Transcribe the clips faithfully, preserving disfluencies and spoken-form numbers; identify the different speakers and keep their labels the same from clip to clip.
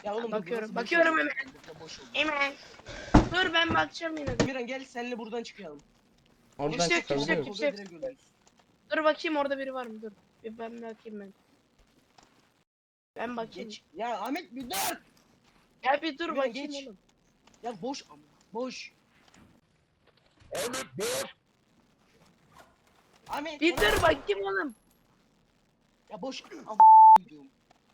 Speaker 1: Ya oğlum
Speaker 2: Bakıyorum,
Speaker 1: burası boş
Speaker 2: bakıyorum
Speaker 1: oldu.
Speaker 2: hemen.
Speaker 1: Burada boş oldu.
Speaker 2: Hemen. Dur ben bakacağım yine de.
Speaker 1: Miran gel seninle buradan çıkalım.
Speaker 3: Oradan
Speaker 2: Kimse yok, kimse
Speaker 3: çıkabiliyor
Speaker 2: yok,
Speaker 3: muyuz?
Speaker 2: kimse yok.
Speaker 1: Direkt ölürüz.
Speaker 2: Dur bakayım orada biri var mı? Dur. Bir ben bakayım ben. Ben bakayım.
Speaker 1: Geç. Ya Ahmet bir dur.
Speaker 2: Ya bir dur
Speaker 1: Miran,
Speaker 2: bakayım
Speaker 1: geç.
Speaker 2: oğlum.
Speaker 1: Ya boş ama. Boş.
Speaker 4: Ahmet dur.
Speaker 1: Ahmet.
Speaker 2: Bir
Speaker 1: sana-
Speaker 2: dur bakayım oğlum.
Speaker 1: Ya boş. Am gidiyorum.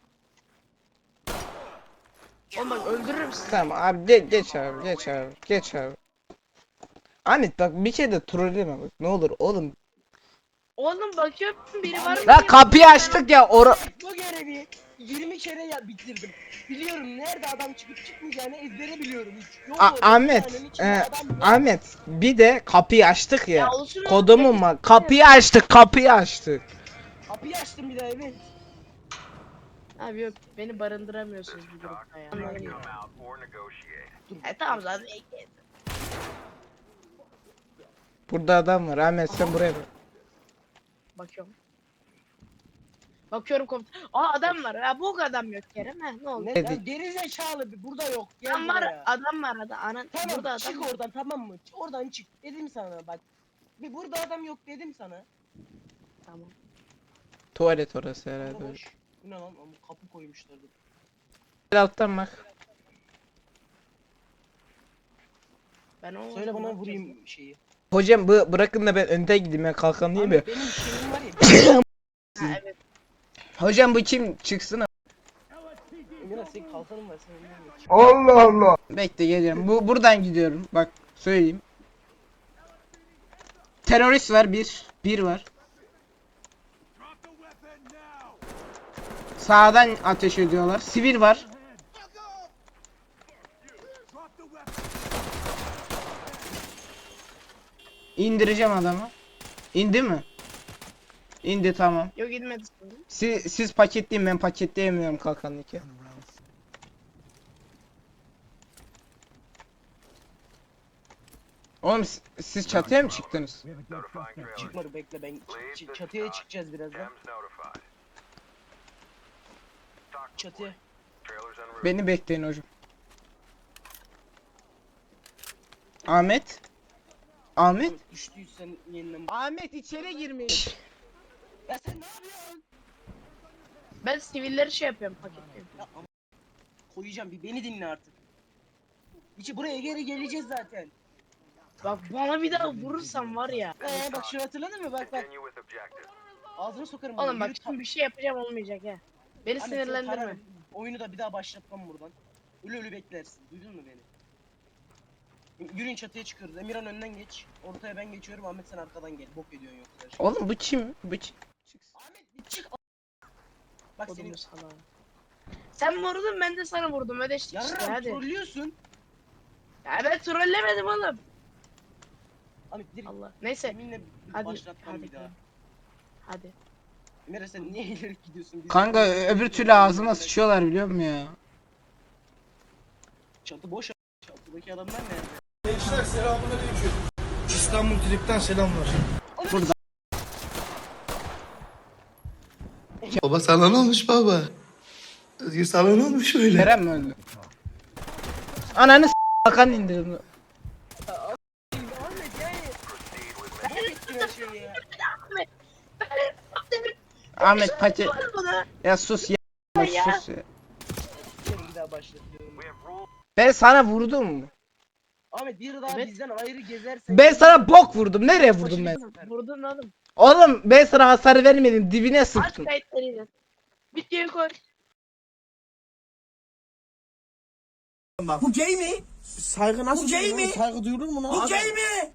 Speaker 2: Oğlum bak öldürürüm sizi.
Speaker 3: Tamam abi ge geç abi geç abi geç abi. Ahmet bak bir kere de trolleme bak ne olur oğlum.
Speaker 2: Oğlum bakıyorum biri var mı?
Speaker 3: Ya
Speaker 2: diye
Speaker 3: kapıyı
Speaker 2: bakıyorum
Speaker 3: açtık ya ora.
Speaker 1: Bu görevi yirmi kere ya bitirdim. Biliyorum nerede adam çıkıp çıkmayacağını ezbere biliyorum. Hiç. Yok
Speaker 3: A
Speaker 1: orada, bir
Speaker 3: Ahmet
Speaker 1: tanenin içinde
Speaker 3: e,
Speaker 1: adam yok.
Speaker 3: Ahmet bir de kapıyı açtık
Speaker 2: ben.
Speaker 3: ya.
Speaker 2: Ya olsun oğlum,
Speaker 3: Kodumun
Speaker 2: nefes-
Speaker 3: mu? Kapıyı açtık kapıyı açtık.
Speaker 1: Kapıyı açtım bir daha evet.
Speaker 2: Abi yok beni barındıramıyorsunuz bu grupta ya.
Speaker 1: Anladım ya.
Speaker 2: E tamam zaten ekleyin.
Speaker 3: Burada adam var Ahmet sen buraya bak.
Speaker 2: Bakıyorum. Bakıyorum komut. Aa adam var. Ya bu adam yok Kerem. He ne oldu?
Speaker 1: Ne?
Speaker 3: Ne
Speaker 1: Ya
Speaker 3: dik-
Speaker 1: geri zekalı bir burada yok. Gel
Speaker 2: Adam var.
Speaker 1: buraya.
Speaker 2: Adam var adam. Anan
Speaker 1: Tamam
Speaker 2: burada adam.
Speaker 1: çık
Speaker 2: var.
Speaker 1: oradan tamam mı? Çık, oradan çık. Dedim sana bak. Bir burada adam yok dedim sana.
Speaker 2: Tamam.
Speaker 3: Tuvalet orası
Speaker 1: Burada
Speaker 3: herhalde.
Speaker 1: boş. Bu ne lan? Ama kapı koymuşlardı.
Speaker 3: Gel alttan bak.
Speaker 2: Ben o
Speaker 1: Söyle bana vurayım şeyi.
Speaker 3: Hocam bu bırakın da ben önde gideyim ben kalkan değil mi?
Speaker 1: Ahmet, benim şeyim var ya.
Speaker 2: Ha, evet.
Speaker 3: Hocam bu kim çıksın?
Speaker 1: Emirhan senin kalkanın var sen önden geç.
Speaker 3: Allah Allah. Bekle geliyorum. Bu buradan gidiyorum. Bak söyleyeyim. Terörist var bir. Bir var. Sağdan ateş ediyorlar. Sivil var. İndireceğim adamı. İndi mi? İndi tamam.
Speaker 2: Yok gitmedi şimdi.
Speaker 3: Siz, siz paketleyin ben paketleyemiyorum kalkanlı ki. Oğlum siz, siz çatıya mı çıktınız?
Speaker 1: Çıkmadı bekle ben ç- ç- çatıya çıkacağız birazdan. Çatıya.
Speaker 3: Beni bekleyin hocam. Ahmet? Ahmet?
Speaker 1: Düştüysen yeniden.
Speaker 3: Ahmet içeri girmiş.
Speaker 1: Ya sen ne yapıyorsun?
Speaker 2: Ben sivilleri şey yapıyorum paketliyorum.
Speaker 1: Ya ama koyacağım bir beni dinle artık. İçi buraya geri geleceğiz zaten.
Speaker 2: Bak bana bir daha vurursan var ya.
Speaker 1: Ee bak şunu hatırladın mı? Bak bak. Ağzına sokarım. bunu.
Speaker 2: Oğlum bak
Speaker 1: Yürü ta-
Speaker 2: şimdi bir şey yapacağım olmayacak ha. Beni
Speaker 1: Ahmet, seni
Speaker 2: sinirlendirme.
Speaker 1: tararım. Oyunu da bir daha başlatmam buradan. Ölü ölü beklersin. Duydun mu beni? Yürüyün çatıya çıkıyoruz. Emirhan önden geç. Ortaya ben geçiyorum. Ahmet sen arkadan gel. Bok ediyorsun yoksa.
Speaker 3: Oğlum bu kim? Bu kim?
Speaker 1: Ahmet bir çık. Bak senin
Speaker 2: Kodumu salağı. Sen vurdun ben de sana vurdum ödeştik işte
Speaker 1: yarram
Speaker 2: hadi.
Speaker 1: trollüyorsun.
Speaker 2: Ya ben trollemedim oğlum.
Speaker 1: Ahmet direkt
Speaker 2: Allah. Neyse.
Speaker 1: yeminle
Speaker 2: Hadi.
Speaker 1: başlatmam
Speaker 2: Hadi.
Speaker 1: bir daha.
Speaker 2: Hadi.
Speaker 1: Emirhan sen niye ileri gidiyorsun? Biz-
Speaker 3: Kanka öbür türlü ağzıma sıçıyorlar biliyor musun ya?
Speaker 1: Çatı boş. Çatıdaki adamlar nerede?
Speaker 5: Gençler selamünaleyküm. İstanbul Trip'ten selamlar.
Speaker 3: Burada.
Speaker 4: Baba sana ne olmuş baba? Özgür sana ne olmuş öyle?
Speaker 3: Kerem mi öldü? Ananı s*** kalkan indirdim.
Speaker 1: Ahmet yani. Bok ettin her şeyi ya.
Speaker 3: Ahmet paket.
Speaker 2: Var bana.
Speaker 3: Ya sus ya.
Speaker 2: Ya.
Speaker 3: Sus ya.
Speaker 1: Seni bir daha başlatıyorum.
Speaker 3: Ben sana vurdum.
Speaker 1: Ahmet bir daha
Speaker 2: Evet.
Speaker 1: bizden ayrı gezersen.
Speaker 3: Ben sana bok vurdum. Nereye vurdum ben?
Speaker 2: Vurdun oğlum.
Speaker 3: Oğlum ben sana hasar vermedim. Dibine
Speaker 2: Aç
Speaker 3: sıktım.
Speaker 2: kayıtlarıyla. Videoyu koy.
Speaker 5: Bu gay mi? Saygı nasıl Bu gay mi? Saygı duyulur mu lan? Bu gay mi?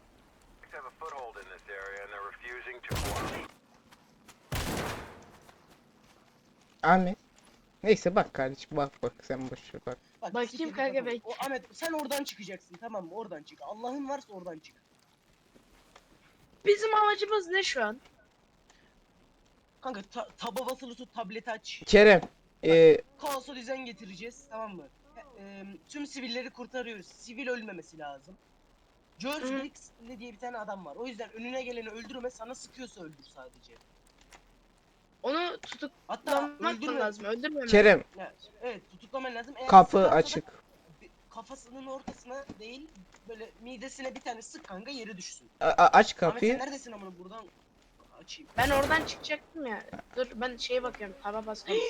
Speaker 3: Ahmet. Neyse bak kardeşim bak bak sen boş ver bak.
Speaker 1: Bak,
Speaker 2: Bakayım
Speaker 1: siktir git
Speaker 2: kanka,
Speaker 1: bakalım.
Speaker 2: belki.
Speaker 1: O, Ahmet sen oradan çıkacaksın tamam mı? Oradan çık. Allah'ın varsa oradan çık.
Speaker 2: Bizim amacımız ne şu an?
Speaker 1: Kanka ta taba basılı tut tableti aç.
Speaker 3: Kerem. Eee
Speaker 1: Kaosa düzen getireceğiz tamam mı? E, e, tüm sivilleri kurtarıyoruz. Sivil ölmemesi lazım. George
Speaker 2: Hı.
Speaker 1: Brixley diye bir tane adam var. O yüzden önüne geleni öldürme sana sıkıyorsa öldür sadece.
Speaker 2: Onu tutuklamak
Speaker 1: Hatta öldürme.
Speaker 2: lazım. Öldürmem.
Speaker 3: Kerem
Speaker 1: Ya, evet tutuklaman lazım. Eğer
Speaker 3: kapı
Speaker 1: sıkarsa da
Speaker 3: açık.
Speaker 1: bir- kafasının ortasına değil böyle midesine bir tane sık kanka yeri düşsün.
Speaker 3: A- a- aç
Speaker 1: Ahmet sen
Speaker 3: kapıyı.
Speaker 1: neredesin amına buradan açayım.
Speaker 2: Ben oradan çıkacaktım ya. Dur ben şeye bakıyorum. Taba basıyorum.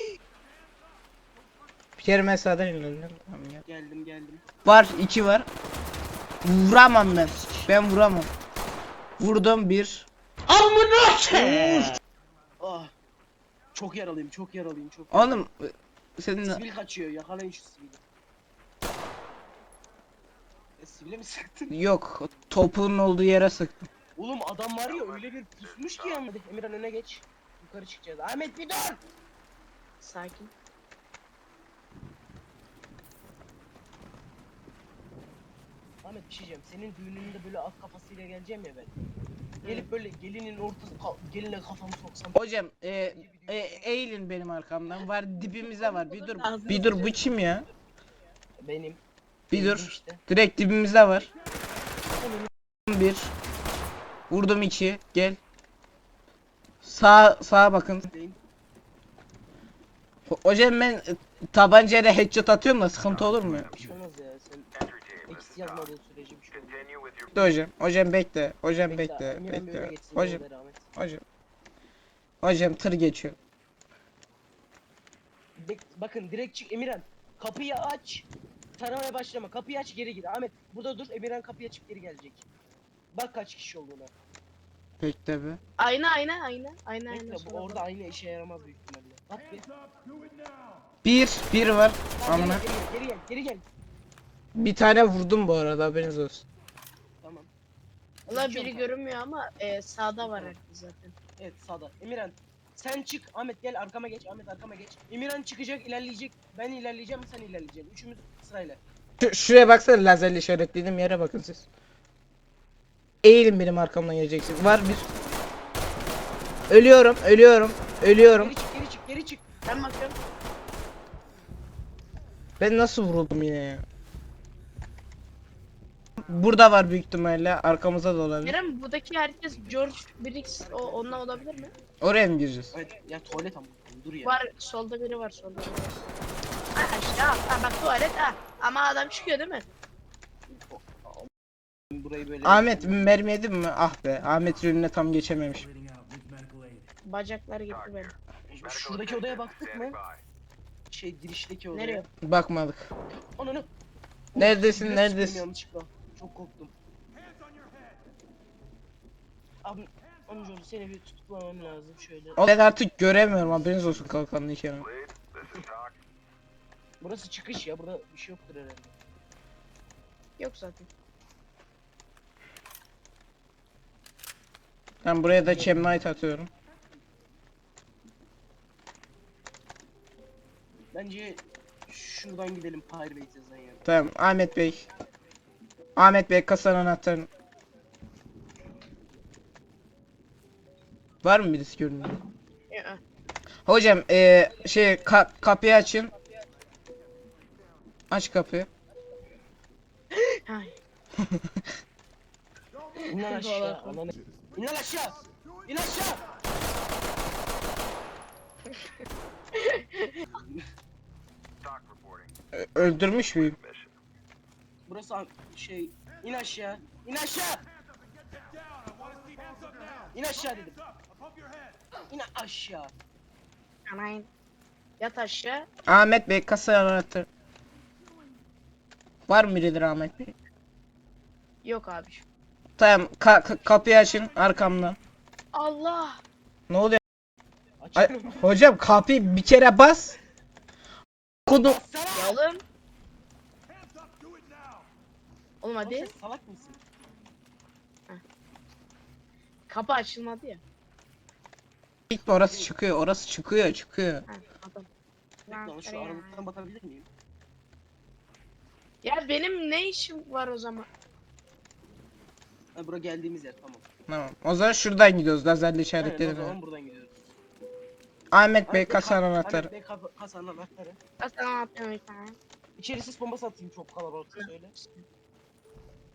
Speaker 3: Bir kere mesaden inelim. Tamam ya.
Speaker 1: Geldim geldim.
Speaker 5: Var iki var. Vuramam ben. Ben vuramam. Vurdum bir.
Speaker 1: Ah. Çok yaralıyım çok yaralıyım çok yaralıyım.
Speaker 5: Oğlum senin
Speaker 1: Sivil kaçıyor yakalayın şu sivili. E, sivile mi sıktın?
Speaker 5: yok topuğun olduğu yere sıktım.
Speaker 1: Oğlum adam var ya öyle bir pusmuş ki yanmadı. Emirhan öne geç. Yukarı çıkacağız. Ahmet bir dur.
Speaker 2: Sakin.
Speaker 1: Ahmet bir şey diyeceğim. Senin düğününde böyle at kafasıyla geleceğim ya ben. Gelip böyle gelinin ortası ka- geline kafamı soksam.
Speaker 5: Hocam e, e, eğilin benim arkamdan. Var dibimize var. Bir dur. Bir dur bu kim ya?
Speaker 1: Benim.
Speaker 5: Bir
Speaker 1: Benim
Speaker 5: dur.
Speaker 1: işte.
Speaker 5: Direkt dibimizde var. Bir. Vurdum iki. Gel. Sağ sağa bakın.
Speaker 1: Benim.
Speaker 5: Ho- Hocam ben e, tabancayla headshot atıyorum da sıkıntı olur mu?
Speaker 1: Bir şey olmaz ya. Sen eksi yazmadığın sürece bir şey olmaz.
Speaker 5: Bekle hocam. Hocam bekle. Hocam
Speaker 1: Bekle,
Speaker 5: bekle.
Speaker 1: Emirhan bir öne
Speaker 5: Bekle.
Speaker 1: geçsin,
Speaker 5: Hocam.
Speaker 1: yolda Ahmet.
Speaker 5: Hocam. Hocam tır geçiyor.
Speaker 1: Bek- bakın direkt çık Emirhan. Kapıyı aç. Taramaya başlama. Kapıyı aç geri gir. Ahmet burada dur. Emirhan kapıyı açıp geri gelecek. Bak kaç kişi olduğuna.
Speaker 5: Bekle be.
Speaker 2: Ayna ayna ayna. Ayna ayna.
Speaker 1: Bekle bu
Speaker 2: sola
Speaker 1: orada
Speaker 2: bak.
Speaker 1: aynı işe yaramaz büyük ihtimalle. Bak bir.
Speaker 5: Bir. Bir var.
Speaker 1: Tamam,
Speaker 5: Amına.
Speaker 1: geri, gel, geri gel. Geri gel.
Speaker 3: Bir tane vurdum bu arada haberiniz olsun.
Speaker 1: Tamam.
Speaker 2: Valla
Speaker 1: Geçiyorum
Speaker 2: biri
Speaker 1: kanka.
Speaker 2: görünmüyor ama e, sağda var herkes zaten.
Speaker 1: Evet sağda. Emirhan sen çık. Ahmet gel arkama geç. Ahmet arkama geç. Emirhan çıkacak ilerleyecek. Ben ilerleyeceğim sen ilerleyeceksin. Üçümüz sırayla.
Speaker 3: Şu, şuraya baksana lazerle işaretlediğim yere bakın siz. Eğilin benim arkamdan geleceksin. Var bir. Ölüyorum, ölüyorum, ölüyorum.
Speaker 1: Geri çık geri çık geri çık.
Speaker 2: Ben bakıyorum.
Speaker 3: Ben nasıl vuruldum yine ya?
Speaker 5: Burada var büyük ihtimalle. Arkamızda da olabilir.
Speaker 2: Kerem buradaki herkes George Briggs o onunla olabilir mi?
Speaker 5: Oraya mı gireceğiz?
Speaker 1: Evet ya tuvalet ama. Dur ya.
Speaker 2: Var solda biri var solda biri var. Ha işte ha, ha bak tuvalet ha. Ama adam çıkıyor değil mi?
Speaker 1: Burayı böyle.
Speaker 5: Ahmet mermi yedin mi? Ah be. Ahmet önüne tam geçememiş.
Speaker 2: Bacakları gitti benim.
Speaker 1: Şuradaki odaya baktık mı? Şey girişteki odaya.
Speaker 2: Nereye?
Speaker 5: Bakmadık.
Speaker 1: Ananı.
Speaker 5: Neredesin,
Speaker 1: Biraz
Speaker 5: neredesin?
Speaker 1: sıktım yanlışlıkla. Çok korktum. Abi amcaoğlu seni bir tutuklamam lazım şöyle.
Speaker 5: O ben artık göremiyorum haberiniz olsun kalkanlı iken.
Speaker 1: Burası çıkış ya burada bir şey yoktur herhalde.
Speaker 2: Yok zaten.
Speaker 5: Ben buraya da Chemnite atıyorum.
Speaker 1: Bence şuradan gidelim Pyrbate yazan yer.
Speaker 5: Tamam Ahmet Bey. Ahmet Bey kasanın anahtarını. Var mı birisi görünüyor?
Speaker 2: Ya.
Speaker 5: Hocam eee şey ka- kapıyı açın. Aç kapıyı.
Speaker 2: Ay.
Speaker 1: İn lan aşağı. Ananı. İn lan aşağı. İn aşağı.
Speaker 5: Ö- öldürmüş müyüm?
Speaker 1: Burası an- şey. İn aşağı. İn aşağı. İn aşağı dedim. İn aşağı.
Speaker 2: Anayın. Yat aşağı.
Speaker 5: Ahmet Bey kasanın anahtarı. Var mı birileri Ahmet Bey?
Speaker 2: Yok abi.
Speaker 5: Tamam ka- ka- kapıyı açın arkamdan.
Speaker 2: Allah.
Speaker 5: Ne oluyor? Ay,
Speaker 1: Açıyorum.
Speaker 5: hocam kapıyı bir kere bas. Kodum.
Speaker 2: Ya oğlum. Oğlum
Speaker 1: Oğlum
Speaker 2: hadi.
Speaker 1: sen salak mısın?
Speaker 2: Kapı açılmadı ya.
Speaker 5: Orası çıkıyor, orası çıkıyor, çıkıyor.
Speaker 2: Ha, adam.
Speaker 1: Bekle lan şu aralıktan bakabilir miyim?
Speaker 2: Ya benim ne işim var o zaman?
Speaker 1: Ha bura geldiğimiz yer tamam.
Speaker 5: Tamam. O zaman şuradan gidiyoruz. Lazerle
Speaker 1: Aynen o
Speaker 5: işaretledim.
Speaker 1: zaman buradan gidiyoruz.
Speaker 5: Ahmet Bey
Speaker 1: Ahmet Bey,
Speaker 5: kasanın
Speaker 1: ka-
Speaker 5: anahtarı.
Speaker 1: Ahmet Bey ka- kasanın anahtarı.
Speaker 2: Aslan atlıyorum bir tane.
Speaker 1: İçeri sis bombası atayım çok kalabalıksa söyle.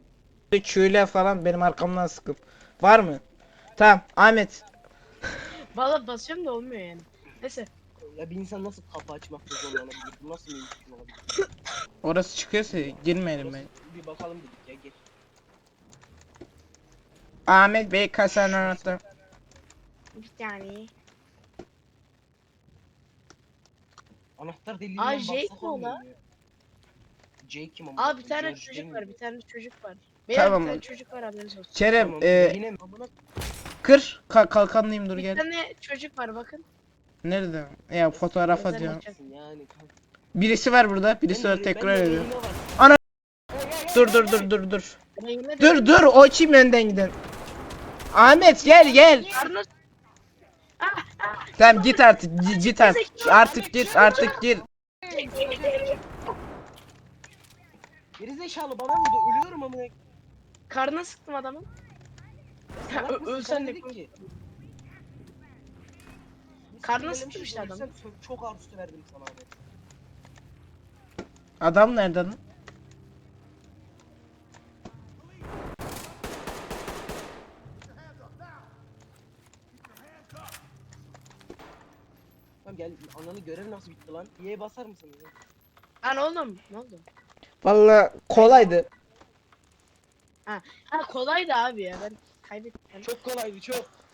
Speaker 3: Q'yle falan benim arkamdan sıkın. Var mı? Tamam Ahmet.
Speaker 2: Valla basıyorum da olmuyor yani. Neyse.
Speaker 1: Ya bir insan nasıl kapı açmakta zorlanabilir? Bu nasıl mümkün olabilir?
Speaker 3: Orası çıkıyorsa girmeyelim ben.
Speaker 1: Orası- Bir bakalım dedik ya gel.
Speaker 3: Ahmet Bey kasanın anahtarı.
Speaker 2: Bir tane.
Speaker 1: Anahtar deliğinden
Speaker 2: Aa,
Speaker 1: baksak
Speaker 2: Jake mi o
Speaker 1: olmuyor
Speaker 2: lan?
Speaker 1: mu ya? Jake kim ama?
Speaker 2: Aa bir tane
Speaker 1: George değil
Speaker 2: çocuk
Speaker 1: mi?
Speaker 2: var, bir tane çocuk var. Beyler
Speaker 3: Tamam.
Speaker 2: bir tane çocuk var, haberiniz olsun.
Speaker 3: Kerem
Speaker 1: Tamam,
Speaker 3: e,
Speaker 1: yine mi? Amına
Speaker 3: kır Ka- kalkanlıyım dur
Speaker 2: Bir
Speaker 3: gel.
Speaker 2: tane çocuk var bakın.
Speaker 3: Nerede? Ya fotoğraf
Speaker 2: Özel
Speaker 3: atıyor.
Speaker 2: maç.
Speaker 1: yani kanka.
Speaker 3: Birisi var burada. Birisi
Speaker 1: Ben
Speaker 3: var
Speaker 1: de-
Speaker 3: tekrar
Speaker 1: ben de
Speaker 3: ediyor.
Speaker 1: rehine var.
Speaker 3: Ana-
Speaker 1: Hey, hey, hey,
Speaker 3: Dur
Speaker 1: hey,
Speaker 3: dur
Speaker 1: hey.
Speaker 3: dur dur dur.
Speaker 2: Rengine
Speaker 3: Dur dur o kim önden giden? Ahmet gel gel.
Speaker 2: Karnı
Speaker 3: Tamam git artık gi- git artık. Artık git artık git.
Speaker 1: Gerizekalı bana vurdu ölüyorum amına.
Speaker 2: karnına sıktım adamın. Ya,
Speaker 1: Salak
Speaker 2: ö-
Speaker 1: mısın?
Speaker 2: ölsen
Speaker 1: Sen
Speaker 2: de
Speaker 1: dedik ki.
Speaker 2: Karnına
Speaker 1: Biz
Speaker 2: sıktım işte
Speaker 1: ölsem
Speaker 2: adamı.
Speaker 1: so- Çok ağır üstü verdim sana abi.
Speaker 3: Adam nerede lan?
Speaker 1: Tamam gel ananı görev nasıl bitti lan? Y'ye basar mısın? Ya?
Speaker 2: Lan oğlum ne oldu?
Speaker 3: Vallahi kolaydı.
Speaker 2: Ha kolaydı abi ya, ben kaybettim.
Speaker 1: Çok kolaydı çok.